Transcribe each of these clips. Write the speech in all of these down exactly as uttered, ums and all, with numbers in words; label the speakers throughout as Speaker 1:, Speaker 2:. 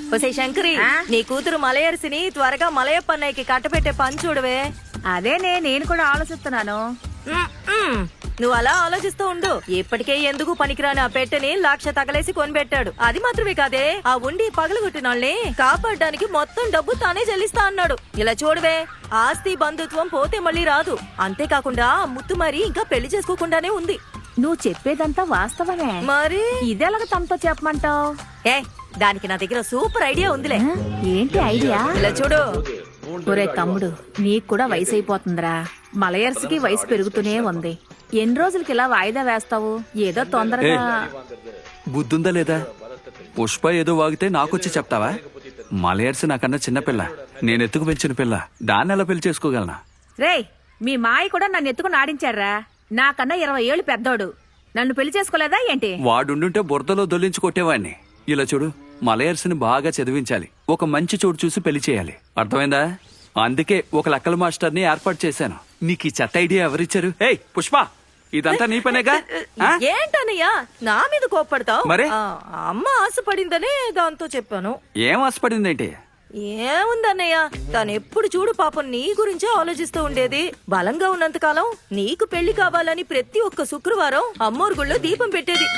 Speaker 1: ఒసే శంకరి, నీ కూతురు మలయర్సిని త్వరగా మలయప్ప అన్నయ్యకి కట్టపెట్టే పని చూడవే.
Speaker 2: అదేనే నేను కూడా ఆలోచిస్తున్నాను.
Speaker 1: నువ్వు అలా ఆలోచిస్తూ ఉండు. ఇప్పటికే ఎందుకు పనికిరాని ఆ పెట్టెని లక్ష తగలేసి కొనిపెట్టాడు. అది మాత్రమే కాదే, ఆ ఉండి పగలగొట్టిన వాళ్ళని కాపాడడానికి మొత్తం డబ్బు తానే చెల్లిస్తా అన్నాడు. ఇలా చూడవే, ఆస్తి బంధుత్వం పోతే మళ్ళీ రాదు. అంతేకాకుండా ఆ ముత్తు మరి ఇంకా పెళ్లి చేసుకోకుండానే ఉంది.
Speaker 2: నువ్వు చెప్పేదంతా వాస్తవమే.
Speaker 1: మరి
Speaker 2: ఇదేలాగ తమతో చెప్పమంటావు?
Speaker 1: ఏ దానికి నా దగ్గర సూపర్ ఐడియా ఉందిలే.
Speaker 2: ఏంటి ఐడియా?
Speaker 1: ఇలా చూడు.
Speaker 2: ఒరే తమ్ముడు, నీకు కూడా వయసు అయిపోతుందిరా. మలయర్స్కి వయసు పెరుగుతూనే ఉంది. ఎన్ని రోజులకి ఇలా వాయిదా వేస్తావు? ఏదో తొందరగా.
Speaker 3: బుద్ధుందా లేదా? పుష్ప ఏదో వాగితే నాకొచ్చి చెప్తావా? మలయర్స్ నాకన్నా చిన్నపిల్ల, నేను ఎత్తుకు పెంచిన పిల్ల. దాన్ని ఎలా పెళ్లి చేసుకోగలనా?
Speaker 2: రేయ్, మీ మాయ కూడా నన్ను ఎత్తుకుని ఆడించారా? నాకన్నా ఇరవై ఏళ్ళు పెద్దోడు. నన్ను పెళ్లి చేసుకోలేదా ఏంటి?
Speaker 3: వాడుండుంటే బురదలో దొల్లించి కొట్టేవాడిని. ఇలా చూడు, మలయర్స్ని బాగా చదివించాలి. ఒక మంచి చోటు చూసి పెళ్లి చేయాలి. అర్థమైందా? అందుకే ఒక లెక్కల మాస్టర్ని ఏర్పాటు చేశాను. నీకు ఈ చెత్త ఐడియా ఎవరిచ్చారు? ఏయ్ పుష్ప, ఇదంతా నీ పనేగా?
Speaker 1: ఏంటన్నయ్యా నా మీద కోప్పడతావు?
Speaker 3: మరే
Speaker 1: అమ్మ ఆశపడిందనే దాంతో చెప్పాను.
Speaker 3: ఏం ఆశపడిందేంటి?
Speaker 1: ఏముందన్నయ్య, తను ఎప్పుడు చూడు పాపం నీ గురించే ఆలోచిస్తూ ఉండేది. బలంగా ఉన్నంత కాలం నీకు పెళ్లి కావాలని ప్రతి ఒక్క శుక్రవారం అమ్మోరు గుళ్ళో దీపం పెట్టేది.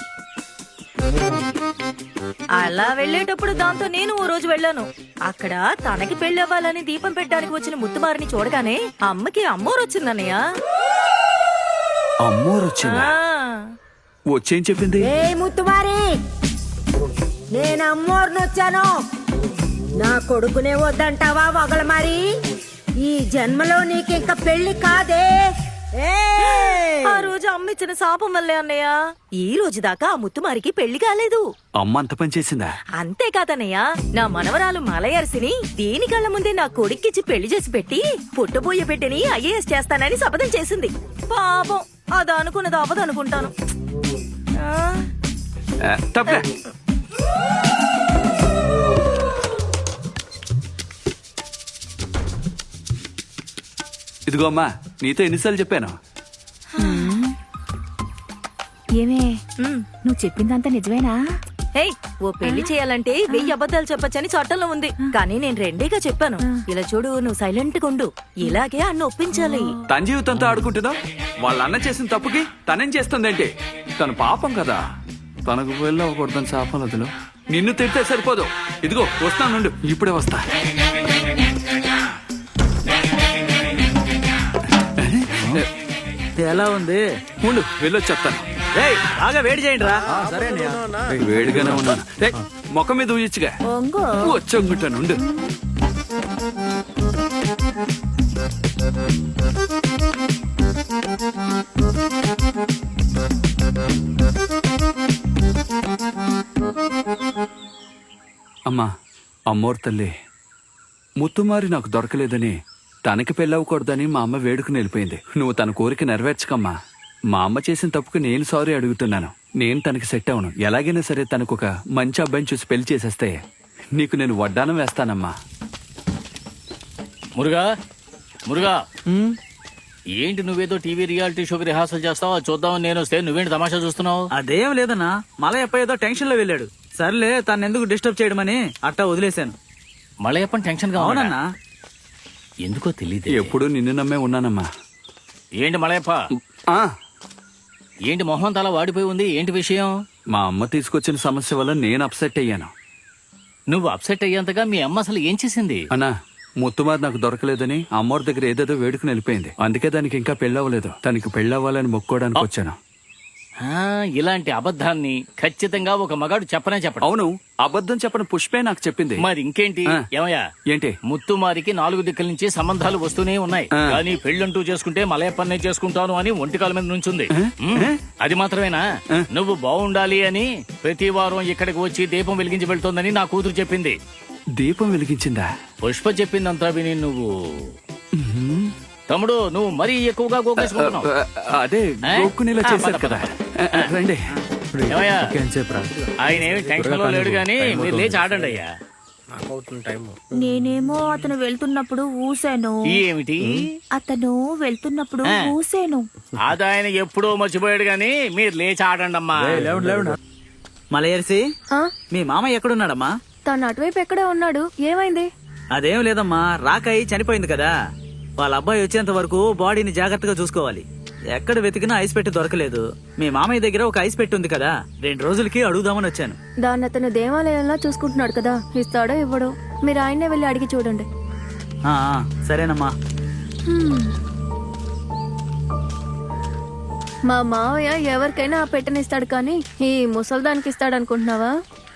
Speaker 1: అలా వెళ్లేటప్పుడు దాంతో నేను ఓ రోజు వెళ్ళాను. అక్కడ తనకి పెళ్లి అవ్వాలని దీపం పెట్టడానికి వచ్చిన ముత్తుమారిని చూడగానే అమ్మకి అమ్మోరు వచ్చిందన్నయ్య.
Speaker 3: అమ్మోరు వచ్చిందా? వచ్చేం చెప్పింది?
Speaker 4: ఏ ముత్తుమారి, నేను అమ్మోరుని వచ్చాను. నా కొడుకునే వద్దంటావా వగల మరి? ఈ జన్మలో నీకు ఇంకా పెళ్లి కాదే.
Speaker 1: ఆ రోజు అమ్మ ఇచ్చిన శాపం వల్లే అన్నయ్య ఈ రోజు దాకా ఆ ముత్తుమారికి పెళ్లి కాలేదు.
Speaker 3: అమ్మ అంత పని చేసిందా?
Speaker 1: అంతేకాదన్నయ్య, నా మనవరాలు మలయర్సిని దీని కళ్ళ ముందే నా కొడుక్కిచ్చి పెళ్లి చేసి పెట్టి పుట్టబోయే పెట్టిని ఐఏఎస్ చేస్తానని శపథం చేసింది. పాపం అది అనుకున్నది అవ్వదనుకుంటాను.
Speaker 3: తప్పే. ఇదిగో అమ్మా, నీతో ఎన్నిసార్లు చెప్పాను?
Speaker 2: ఏమే, నువ్వు చెప్పిందంతా నిజమేనా?
Speaker 1: హే, ఓ పెళ్లి చేయాలంటే వెయ్యి అబద్ధాలు చెప్పొచ్చని చట్టంలో ఉంది. కానీ నేను రెండేగా చెప్పాను. ఇలా చూడు, నువ్వు సైలెంట్ గా ఉండు. ఇలాగే అన్న ఒప్పించాలి.
Speaker 3: తన జీవితంతో ఆడుకుంటుందా? వాళ్ళ అన్న చేసిన తప్పుకి తనేం చేస్తుందంటే? తను పాపం కదా, తనకు వెళ్ళి అవ్వకూడదని శాపం వదిలో. నిన్ను తిడితే సరిపోదు. ఇదిగో వస్తానుండు, ఇప్పుడే వస్తా.
Speaker 5: ఎలా ఉంది?
Speaker 3: ఉండు, వెళ్ళొచ్చి చెప్తాను.
Speaker 5: బాగా వేడి చేయండి రా.
Speaker 3: వేడిగానే ఉన్నాను. మొక్క మీద ఊయచ్చుగా. వచ్చంగుంటానుండు. అమ్మా, అమ్మోరు తల్లి, ముత్తుమారి నాకు దొరకలేదని, తనకి పెళ్ళవకూడదని మా అమ్మ వేడుకుని వెళ్ళిపోయింది. నువ్వు తన కోరిక నెరవేర్చకమ్మా. మా అమ్మ చేసిన తప్పుకు నేను సారీ అడుగుతున్నాను. నేను తనకి సెట్ అవను. ఎలాగైనా సరే తనకు ఒక మంచి అబ్బాయిని చూసి పెళ్లి చేసేస్తే నీకు నేను వడ్డానం వేస్తానమ్మా.
Speaker 6: మురుగా మురుగా ఏంటి నువ్వేదో టీవీ రియాలిటీ షోకి రిహార్సల్ చేస్తావా? చూద్దామని నేను వస్తే నువ్వేంటి తమాషా చూస్తున్నావు?
Speaker 5: అదేం లేదన్నా, మలయప్ప ఏదో టెన్షన్ లో వెళ్ళాడు. సర్లే, తను ఎందుకు డిస్టర్బ్ చేయడమని అట్టా వదిలేశాను.
Speaker 6: మలయప్పని టెన్షన్ గా
Speaker 5: అవునన్నా?
Speaker 6: ఎందుకో తెలియదు.
Speaker 3: ఎప్పుడు నిన్ను నమ్మే ఉన్నానమ్మా.
Speaker 6: ఏంటి మలయప్ప, ఏంటి మొహం తల వాడిపోయి ఉంది? ఏంటి విషయం?
Speaker 3: మా అమ్మ తీసుకొచ్చిన సమస్య వల్ల నేను అప్సెట్ అయ్యాను.
Speaker 6: నువ్వు అప్సెట్ అయ్యేంతగా మీ అమ్మ అసలు ఏం చేసింది?
Speaker 3: అన్నా, ముత్తుమారి నాకు దొరకలేదని అమ్మోరి దగ్గర ఏదేదో వేడుకుని వెళ్ళిపోయింది. అందుకే దానికి ఇంకా పెళ్ళవ్వలేదు. తనకి పెళ్ళవ్వాలని మొక్కోడానికి వచ్చాను.
Speaker 6: ఇలాంటి అబద్ధాన్ని ఖచ్చితంగా ఒక మగాడు చెప్పనే చెప్పడు.
Speaker 3: అవును, అబద్ధం చెప్పని పుష్పే నాకు చెప్పింది.
Speaker 6: మరి ఇంకేంటి? ఏమయ్యా,
Speaker 3: ఏంటి?
Speaker 6: ముత్తుమారికి నాలుగు దిక్కుల నుంచి సంబంధాలు వస్తూనే ఉన్నాయి. కానీ పెళ్ళంటూ చేసుకుంటే మలయప్పన్నే చేసుకుంటాను అని ఒంటికాల మీద నుంచుంది. అది మాత్రమేనా, నువ్వు బాగుండాలి అని ప్రతి వారం ఇక్కడికి వచ్చి దీపం వెలిగించి వెళ్తోందని నా కూతురు చెప్పింది.
Speaker 3: దీపం వెలిగించిందా?
Speaker 6: పుష్ప చెప్పిందంతా విని నువ్వు తమ్ముడు నువ్వు మరీ ఎక్కువగా గోకేసుకుంటున్నావు.
Speaker 3: అదే గోక్కునేలా చేశారు కదా. రండి.
Speaker 6: ఆయన ఏమి టెన్షన్ లో లేడు గాని మీరు లేచి ఆడండి అయ్యా.
Speaker 2: నేనేమో అతను వెళ్తున్నప్పుడు ఊసాను.
Speaker 6: ఏమిటి?
Speaker 2: అతను వెళ్తున్నప్పుడు ఊసాను.
Speaker 6: అది ఆయన ఎప్పుడో మర్చిపోయాడు గాని మీరు లేచి ఆడండి అమ్మా.
Speaker 5: మలయర్సి, మీ మామ ఎక్కడున్నాడమ్మా?
Speaker 2: తను అటువైపు ఎక్కడే ఉన్నాడు, ఏమైంది?
Speaker 5: అదేం లేదమ్మా, రాకయ్య చనిపోయింది కదా. వాళ్ళ అబ్బాయి వచ్చేంత వరకు బాడీని జాగ్రత్తగా చూసుకోవాలి. ఎక్కడ వెతికినా ఐస్ పెట్టి దొరకలేదు. మీ మామయ్య దగ్గర ఒక ఐస్ పెట్టి ఉంది కదా, రెండు రోజులకి అడుగుదామని వచ్చాను.
Speaker 2: దాన్ని అతను దేవాలయంలో చూసుకుంటున్నాడు కదా, ఇస్తాడో ఇవ్వడో మీరు ఆయన్నే వెళ్ళి అడిగి చూడండి.
Speaker 5: ఆ, ఆ, సరేనమ్మా.
Speaker 2: హ్మ్. మా మావయ్య ఎవరికైనా ఆ పెట్టనిస్తాడు కానీ ఈ ముసల్దానికి ఇస్తాడు అనుకుంటున్నావా?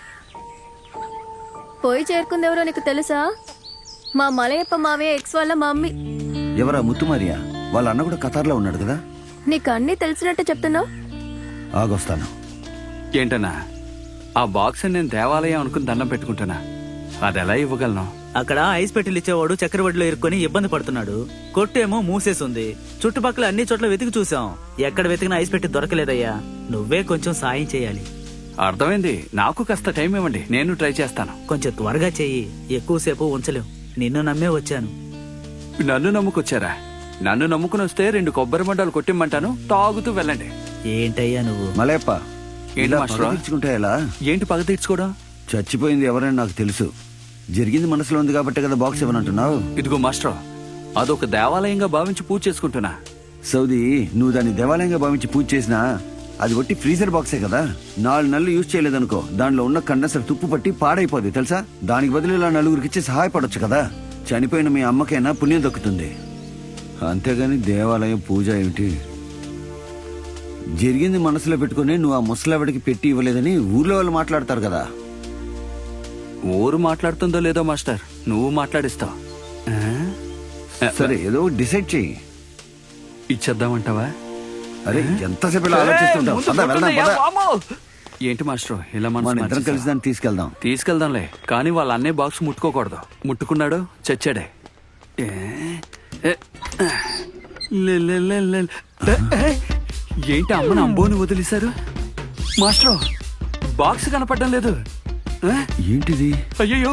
Speaker 2: పోయి చేరుకుంది ఎవరో నీకు తెలుసా? మా మలయప్ప మావయ్య ఎక్స్ వాళ్ళ మమ్మీ.
Speaker 7: ఎవరా ముత్తుమారియా? వాళ్ళ అన్న కూడా కతార్లో ఉన్నాడు కదా.
Speaker 2: నీకు అన్నీ తెలిసినట్టు చెప్తున్నావు.
Speaker 7: ఆగొస్తాను.
Speaker 3: ఏంటన్నా ఆ బాక్స్ నేను దేవాలయం అనుకుని దండం పెట్టుకుంటున్నా, అది ఎలా ఇవ్వగలను?
Speaker 5: అక్కడ ఐస్ పెట్టెలు ఇచ్చేవాడు చక్రవడ్లో ఇరుక్కొని ఇబ్బంది పడుతున్నాడు. కొట్టేమో మూసేసుంది. చుట్టుపక్కల అన్ని చోట్ల వెతికి చూసాం, ఎక్కడ వెతికినా ఐస్ పెట్టి దొరకలేదయ్యా. నువ్వే కొంచెం సాయం చేయాలి.
Speaker 3: అర్థమైంది. నాకు కాస్త టైం ఇవ్వండి, నేను ట్రై చేస్తాను.
Speaker 5: కొంచెం త్వరగా చెయ్యి, ఎక్కువసేపు ఉంచలేం. నిన్ను నమ్మే వచ్చాను.
Speaker 3: నన్ను నమ్ముకొచ్చారా? నన్ను నమ్ముకుని వస్తే రెండు కొబ్బరి మండలు కొట్టిమ్మంటాను, తాగుతూ వెళ్ళండి.
Speaker 5: ఏంటయ్యా నువ్వు?
Speaker 7: మలయప్ప,
Speaker 3: ఏంటి
Speaker 7: ఇలా
Speaker 3: మాస్టరు?
Speaker 7: పగ తీర్చుకుంటే ఎలా?
Speaker 3: ఏంటి పగ తీర్చుకోవడం?
Speaker 7: చచ్చిపోయింది ఎవరైనా నాకు తెలుసు. జరిగింది మనసులో ఉంది కాబట్టి కదా బాక్స్ ఇవ్వనంటున్నావు.
Speaker 3: ఇదిగో మాస్టర్, అదొక దేవాలయంగా భావించి పూజ చేసుకుంటున్నా.
Speaker 7: సౌదీ, నువ్వు దాన్ని దేవాలయంగా భావించి పూజ చేసినా అది ఒట్టి ఫ్రీజర్ బాక్సే కదా. నాలుగు నెలలు యూజ్ చేయలేదనుకో, దానిలో ఉన్న కండెన్సర్ తుప్పు పట్టి పాడైపోద్ది తెలుసా. దానికి బదులు ఇలా నలుగురికి ఇచ్చి సహాయపడొచ్చు కదా. చనిపోయిన మీ అమ్మకైనా పుణ్యం దక్కుతుంది. అంతేగాని దేవాలయం పూజ ఏమిటి? జరిగింది మనసులో పెట్టుకుని నువ్వు ఆ ముసలావిడికి పెట్టి ఇవ్వలేదని ఊర్లో వాళ్ళు మాట్లాడతారు కదా.
Speaker 3: ఊరు మాట్లాడుతుందో లేదో మాస్టర్, నువ్వు మాట్లాడిస్తావు. ఆ?
Speaker 7: సరే, ఏదో డిసైడ్ చెయ్యి.
Speaker 3: ఇచ్చేద్దామంటావా?
Speaker 7: అరే, ఎంతసేపు ఇలా ఆలోచిస్తుంటావు? పద, వెళ్దాం, పద.
Speaker 3: ఏంటి మాస్టర్ ఇలా మనసు
Speaker 7: మన ఇద్దరం
Speaker 3: మార్చేశావు?
Speaker 7: కలిసి దాన్ని తీసుకెళ్దాం.
Speaker 3: తీసుకెళ్దాంలే, కానీ వాళ్ళ అన్నయ్య బాక్స్ ముట్టుకోకూడదు. ముట్టుకున్నాడు చచ్చాడే. ఏ? ఏ? లే, లే, లే, లే. ఏ, ఏ? ఏంటి అమ్మని అంబోని వదిలేశారు? మాస్టర్, బాక్స్ కనపడడం లేదు. ఏ?
Speaker 7: ఏంటిది?
Speaker 3: అయ్యయ్యో.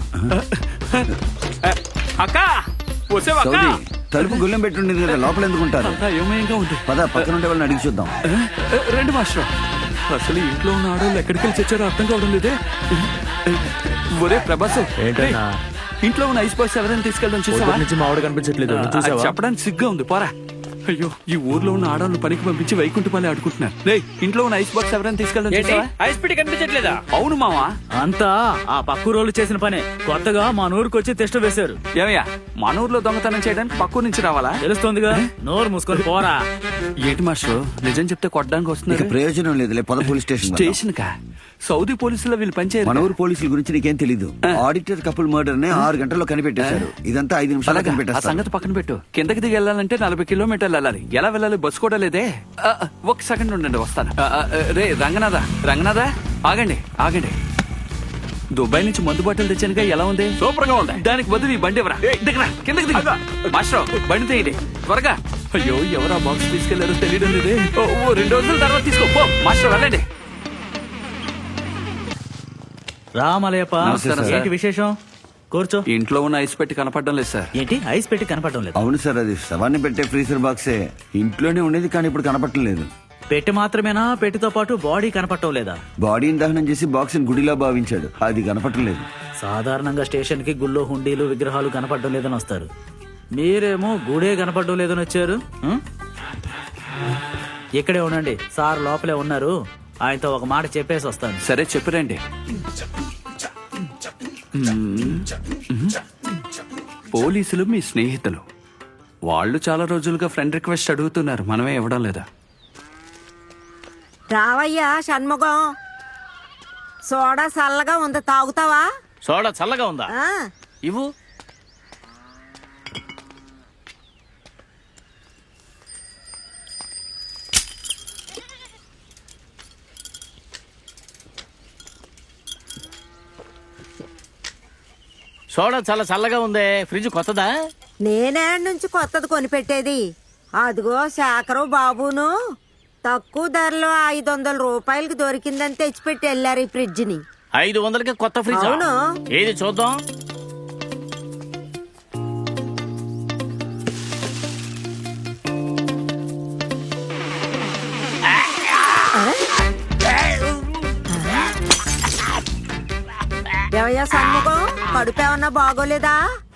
Speaker 3: అక్క, వచ్చావా అక్క?
Speaker 7: సౌదీ, తలుపు గుల్లెం పెట్టుండేది కదా, లోపల ఎందుకుంటారు?
Speaker 3: అంతా అయోమయంగా ఉంది.
Speaker 7: పద, పక్కన ఉండే వాళ్ళని అడిగి చూద్దాం.
Speaker 3: ఏ? ఏ, రండి మాస్టర్. అసలు ఇంట్లో ఉన్న ఆడవాళ్ళు ఎక్కడికి వెళ్ళి చచ్చారో అర్థం కావడం లేదే. ఒరే ప్రభాసు,
Speaker 8: ఏంటన్నా?
Speaker 3: ఇంట్లో ఉన్న ఐస్ బాక్స్ ఎవరైనా తీసుకెళ్ళడం చూసావా?
Speaker 8: నుంచి మామిడి కనిపించట్లేదు, నువ్వు చూసావా?
Speaker 3: అది చెప్పడానికి సిగ్గా ఉంది, పోరా. అయ్యో, ఈ ఊర్లో ఉన్న ఆడవాళ్ళు పనికి పంపించి వైకుంఠపాలే ఆడుకుంటున్నారు. రే, ఇంట్లో ఉన్న ఐస్ బాక్స్ ఎవరైనా తీసుకెళ్ళడం చూసావా?
Speaker 5: ఐస్ పెట్టి కనిపించట్లేదా?
Speaker 3: అవును మావా.
Speaker 5: అంతా ఆ పక్కూరోళ్ళు చేసిన పనే. కొత్తగా మా నూరుకు వచ్చి టెస్ట్ వేశారు.
Speaker 3: ఏమయ్యా, మన ఊర్లో దొంగతనం చేయడానికి పక్కూరు నుంచి రావాలా?
Speaker 5: తెలుస్తోందిగా, నోరు మూసుకొని పోరా.
Speaker 3: ఏంటి మాస్టర్, నిజం చెప్తే కొట్టడానికి
Speaker 7: ఇక
Speaker 3: వస్తున్నారు?
Speaker 7: ప్రయోజనం లేదులే, పద పోలీస్ స్టేషన్ వెళ్దాం.
Speaker 3: స్టేషన్ కా? సౌదీ పోలీసులో వీళ్ళు పనిచేయరు.
Speaker 7: మన ఊరు పోలీసుల గురించి నీకేం తెలీదు. ఆడిటర్ కపుల్ మర్డర్ నే ఆరు గంటల్లో కనిపెట్టేశారు. ఇదంతా ఐదు నిమిషాలు
Speaker 3: అలాగా? ఆ
Speaker 7: కనిపెట్టేస్తారు.
Speaker 3: సంగతి పక్కన పెట్టు. కిందకి దిగి వెళ్ళాలంటే నలభై కిలోమీటర్లు వెళ్ళాలి. ఎలా వెళ్ళాలి? బస్సు కూడా లేదే. ఆ, ఆ, ఒక సెకండ్ ఉండండి, వస్తాను. ఆ, ఆ, రే రంగనాథ, రంగనాథ, ఆగండి ఆగండి. దుబాయ్ నుంచి మందు బాటలు తెచ్చానుగా, ఎలా ఉంది? సూపర్ గా ఉంది. దానికి బదులు ఈ బండి ఎవరా? దిగరా, కిందకి దిగు. మాస్టర్, బండి తీయండి త్వరగా. అయ్యో, ఎవరా బాక్స్ తీసుకెళ్లారో తెలియడం లేదే. ఓ, ఓ, రెండు రోజుల తర్వాత తీసుకో పో. మాస్టర్, వెళ్ళండి.
Speaker 5: రామలయప్ప,
Speaker 3: నమస్కారం సార్.
Speaker 5: ఏంటి విశేషం? కూర్చో.
Speaker 3: ఇంట్లో ఉన్న ఐస్ పెట్టి కనపడడం లేదు సార్.
Speaker 5: ఏంటి ఐస్ పెట్టి కనపడటం లేదు?
Speaker 7: అవును సార్, అది శవాన్ని పెట్టే ఫ్రీజర్ బాక్సే. ఇంట్లోనే ఉండేది కానీ ఇప్పుడు కనపడటం లేదు.
Speaker 5: పెట్టి మాత్రమేనా? పెట్టితో పాటు బాడీ కనపడటం లేదా?
Speaker 7: బాడీని దహనం చేసి బాక్స్ గుడిలా భావించాడు, అది కనపడటం లేదు.
Speaker 5: సాధారణంగా స్టేషన్ కి గుళ్ళో హుండీలు విగ్రహాలు కనపడడం లేదని వస్తారు. మీరేమో గుడే కనపడడం లేదని వచ్చారు. ఉం? ఇక్కడే ఉండండి, సార్ లోపలే ఉన్నారు. ఆయనతో ఒక మాట చెప్పేసి వస్తాను.
Speaker 3: సరే, చెప్పిరండి. పోలీసులు మీ స్నేహితులు, వాళ్ళు చాలా రోజులుగా ఫ్రెండ్ రిక్వెస్ట్ అడుగుతున్నారు, మనమే ఇవ్వడం లేదా?
Speaker 4: రావయ్యా షణ్ముఖం, సోడా చల్లగా ఉంది, తాగుతావా?
Speaker 6: సోడా చల్లగా ఉందా?
Speaker 4: ఆ,
Speaker 6: ఇవ్వు. సోడా చాలా చల్లగా ఉందే. ఫ్రిడ్జ్ కొత్తదా?
Speaker 4: నేనే నుంచి కొత్తది కొనిపెట్టేది. అదిగో శాఖరు బాబును తక్కువ ధరలో ఐదు వందల రూపాయలకి దొరికిందని తెచ్చిపెట్టి వెళ్ళారు ఈ ఫ్రిడ్జ్ ని.
Speaker 6: ఐదు వందలకి కొత్త ఫ్రిడ్జ్?
Speaker 4: అవును.
Speaker 6: ఏది చూద్దాం.
Speaker 4: ఏవయ్యా సన్ముఖం కడుపు ఏమన్నా బాగోలేదా